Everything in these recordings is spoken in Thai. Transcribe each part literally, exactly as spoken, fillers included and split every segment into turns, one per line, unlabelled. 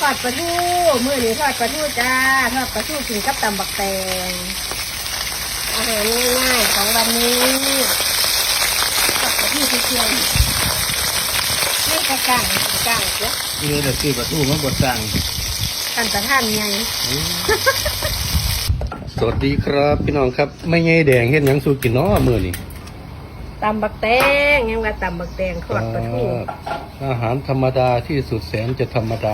ทอดปลาทูมื้อนี้ทอดปลาทูจ้าทอดปลาทูกินกับตำบักแตงอาหารง่ายๆของวันนี้ทอดปลาทูเชียวๆไม่กระกังกระกังเจ้า
เออแต่คือประตูมันบดสั่ง
กันตะท่านไง
สวัสดีครับพี่น้องครับไม่ไงแดงเห็นยังสู้กินเนาะมื้อนี้
ตำบักแตงยังว่าตำบักแตงทอดปลาทู
อาหารธรรมดาที่สุดแสนจะธรรมดา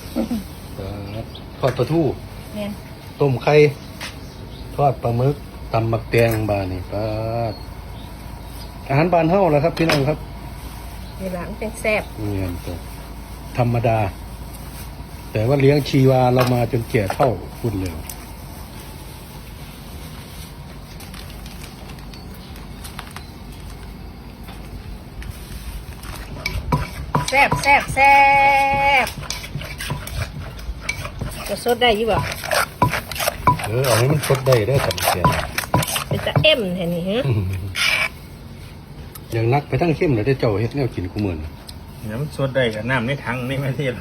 ทอดปลาทู
เนี่ย
ต้มไข่ทอดปลาหมึกตำมักแตงบานี่ปลาอาหารบ้านเฮาแหละครับพี่น้องครับ
ในหลังเป็นแซ่บ
นี่ตัวธรรมดา แต่ว่าเลี้ยงชีวาเรามาจนแก่เท่าคุณเลย
แซ่บแซ่บแซ่บจะสดได้ยี่บ่
เออเอาให้มันสดได้ได้อสังเกต
เป็นตะเอ็มแท่นี้ฮะ
อย่างนักไปทั้งเข้มเลยได้เจ้าเฮ็ดแนวกินกูเหมือน
น้ำสดได้กับน้ำในถังนี่ไม่เทียบ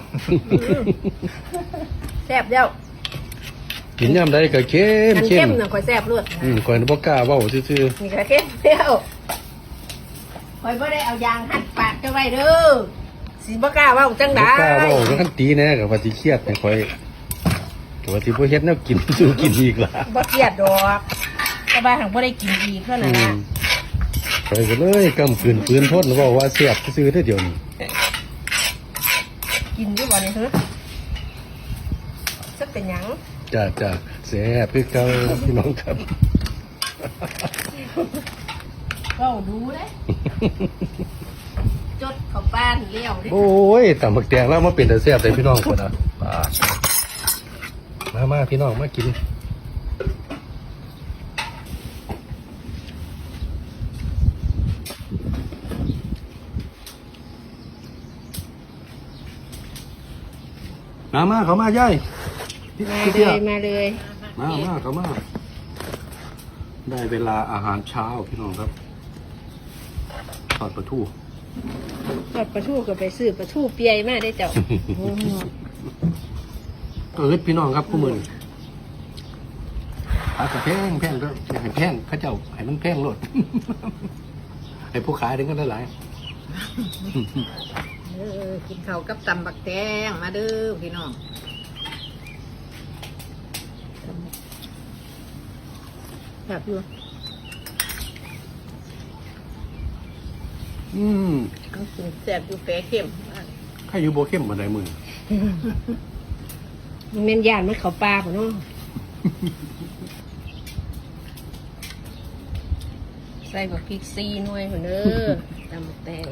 แซ่บเด้า
กินยามใดก็เข้ม
อัน
เข้
เข้
ม
มน่ะคอยแซ่บรวด
อืมก่อนบ่กล้าเว้าซื่อ
นี่ก็เข้มเด้าคอยบ่ได้เอายางหัดปากจะไว้เด้อสิบ่กล้าเว้าจัง
ๆบ่
ได๋
กล้าเว้าก็คันตีแน่ก็ว่าสิเครียดให้ข่อยก็ว่าสิบ่เฮ็ดแนวกิน สู้กินอีกล่ะ
บ่เครียดดอกแต่ว่าหังบ่ได้กินอีกเท่านั้น
อื
ล่ะ
มไปก็เลยกำปืนปืนทนเว้าว่าเสียบซื่อๆเด้อเดี๋ยวนี้
กินอยู่บ่นี่ฮะสักเป็นหยัง
จ้าจ้าแซ่บคือเก่าพี่น้องครับ
เว้าดูเด้จดเข้าบ้านเลี้ยวเด้
โอ้ยตำบักแตงแล้วมาเป็นแต่แซ่บเลยพี่น้องคนน่ะมามาพี่น้องมากินมามาเขามาย่ายพี่
มา
พี่
เล
เตี้ย
ยมาเลย
มามาเขามาได้เวลาอาหารเช้าพี่น้องครับทอดปลาทู
ทอดปลาทูก็ไปซื้อปลาทูเปียมาได้เจ้า
เออพี่น้องครับผู้มือขายกระแพงแพงก็อยากให้แพงเขาเจ้าให้มันแพงโลด ให้ผู้ขายถึงกันได้หลาย
เออกินข้าวกับตำบักแตงมาเด้อพี่น้อง
แบบอยู่
อืม
ทั้งกินแซ่บอยู่แปรเข้ม
ใครอยู่โบเข้มบันไดมือ
มันเม่นยานมันเขาปลาของน้องใส่บักพริกซีหน่วยคนเด้อตำบักแตง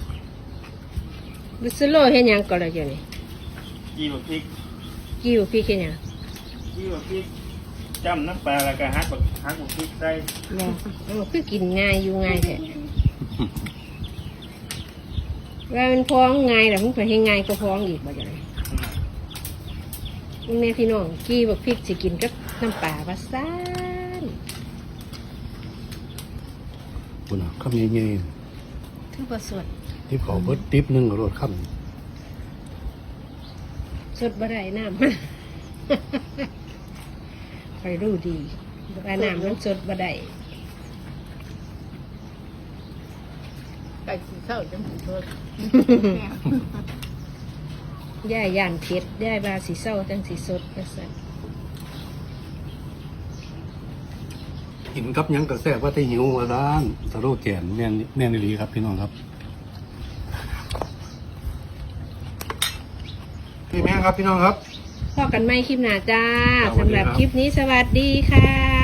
บิสโลเฮ็ดหยังก่อนละเจ้านี่
ยี่บพริก
กิ้วพริกเฮ็ดหยัง
ยี่บพริกจ้ำน้ำปลาแล้วก็ฮักบักฮักบักพริกใส่
บ่เอาคือกินง่ายอยู่ง่ายแท้ว่ามันพ้องง่ายแต่มันก็ให้ง่ายก็พ้องอีกบ่จังได๋แม่พี่น้องกี้บักพริกสิกินกับน้ำปลาว่าซ่าน
คุณอ่ะข้ามเงี้ย
ถือว่าสด
ๆที่เขาเบิดติ๊บหนึงก็รถข้าม
สดบ่ได้น้ำ คอยรู้ดีว่าน้ำมันสดบ่ได้
ไก่สีข้าวจังสีโทษ
ย่ายย่านเผ็ดย่ายบาสีเศร้าจังสีสดว่าซั่น
กินกับหยังกระแสว่าที่หิวว่าร้านสโลแกนแน่นแน่นดีครับพี่น้องครับพี่แม่ครับพี่น้องครับ
พอกันไหมคลิปหน้าจ้า
สวัสดีครับ
สำหรับคลิปนี้สวัสดีค่ะ